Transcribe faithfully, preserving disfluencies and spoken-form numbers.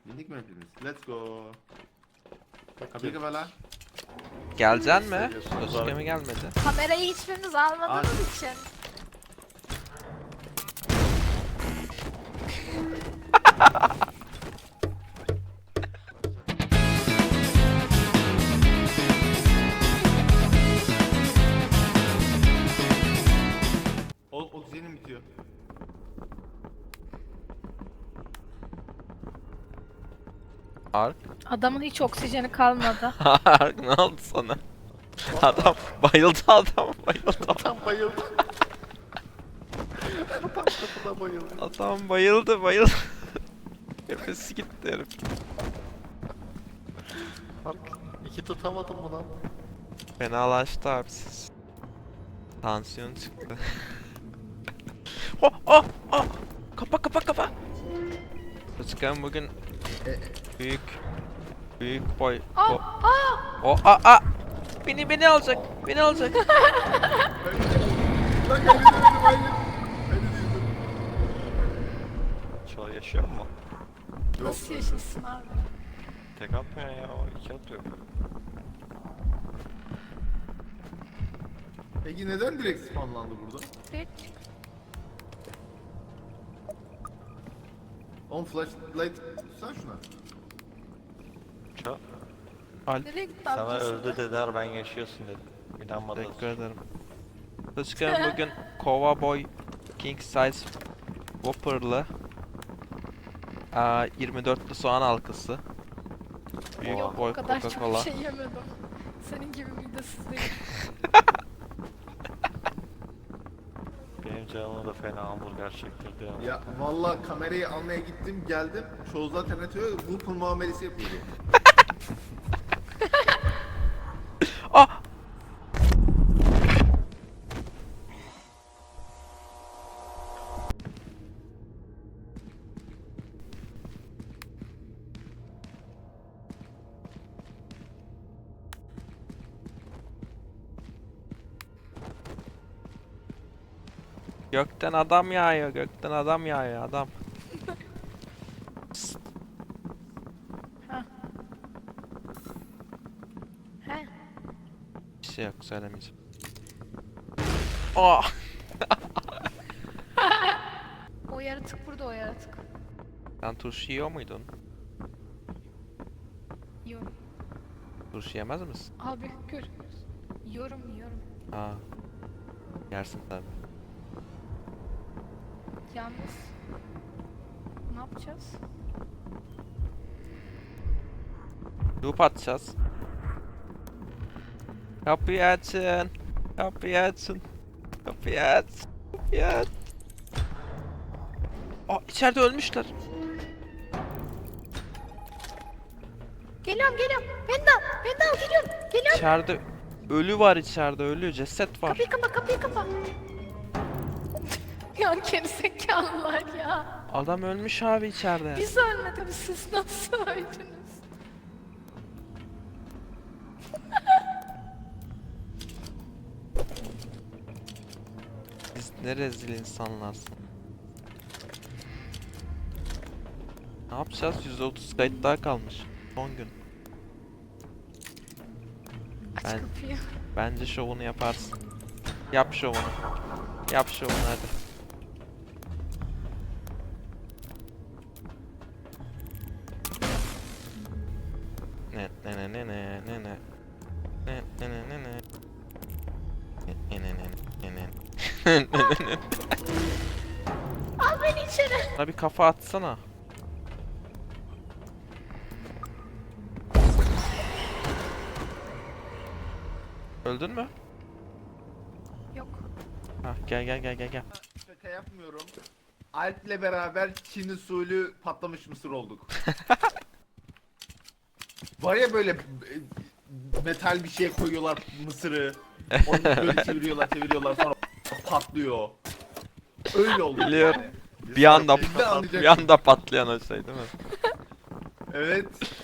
Bindik mi hepimiz? Let's go. Kapıyı kapa. Geleceksin mi? Seviyorsun, Sasuke var. mi gelmedi? Kamerayı hiçbiriniz almadığınız için. O oksijenim bitiyor. Ark? Adamın hiç oksijeni kalmadı. Ark ne oldu sana? Adam bayıldı adam bayıldı. Tam bayıldı. Tam kapıda bayıldı. Adam bayıldı bayıldı. Nefesi gitti herif. Bak iki tutamadım mı lan? Fenalaştı abi siz. Tansiyon çıktı. Oh oh oh! Kapa kapa kapa! Sasuke'm bugün büyük büyük boy. Aa, bo- aa! O a a! Beni beni alacak. Beni alacak. Lan beni de hayır. Beni de Çoğu yaşıyor mu? Nasıl yaşasın abi? Tek atmıyor ya, o iki atıyor. Peki neden direkt spawnlandı burada? Hiç. On flashlight tutsana şuna. Ço. Alp Nereye gitti Sana amcası? öldü dediler, ben yaşıyorsun dedim. İnanmadınız. teşekkür ederim. Sasuke'm bugün Kova Boy King Size Whopper'lı aa, yirmi dörtlü soğan halkası. Büyük Yok, boy o kadar çok Coca-Cola. şey yemedim. Senin gibi midesiz değil. Benim canımı da fena hamburger çektirdi ya. Ya valla kamerayı almaya gittim geldim. Çoğu zaten atıyor. Bu pul muamelesi yapıyordu. Ah! Gökten adam yağıyor, gökten adam yağıyor, adam. He? Bir şey yok, söylemeyeceğim. Oh! O yaratık burada, o yaratık. Sen turşu yiyor muydun? Yiyorum. Turşu yemez misin? Abi gör. Yiyorum, yiyorum. Ha. Yersin tabi. Yalnız. Ne yapacağız? Loop atacağız. Kapıyı açın. Kapıyı açın. Kapıyı aç. Kapıyı aç. Aa, içeride ölmüşler. Geliyorum, geliyorum. Ben de al, ben de al, geliyorum. Geliyorum. İçeride ölü var, içeride ölü ceset var. Kapıyı kapa, kapıyı kapa. Ya gerizekalılar ya. Adam ölmüş abi içeride. Biz ölmedik, siz nasıl öldünüz? Biz ne rezil insanlarsın. Ne yapacağız? yüz otuz kayıt daha kalmış. Son gün. Aç Ben- kapıyı. Bence şovunu yaparsın. Yap şovunu. Yap şovunu hadi. Ne ne ne ne ne ne ne. Ne ne ne ne ne. Ne ne ne ne ne. Ne ne ne. Al beni içeri. Bana bir kafa atsana. Öldün mü? Yok. Ha gel gel gel gel gel. Şaka yapmıyorum. Alp'le beraber Çin usulü patlamış mısır olduk. Var ya böyle e, metal bir şey koyuyorlar mısırı. Onu böyle çeviriyorlar çeviriyorlar sonra patlıyor. Öyle oldu. Biliyorum. yani. Bir anda Şimdi anlayacaksın. bir anda patlayan o şey değil mi? Evet.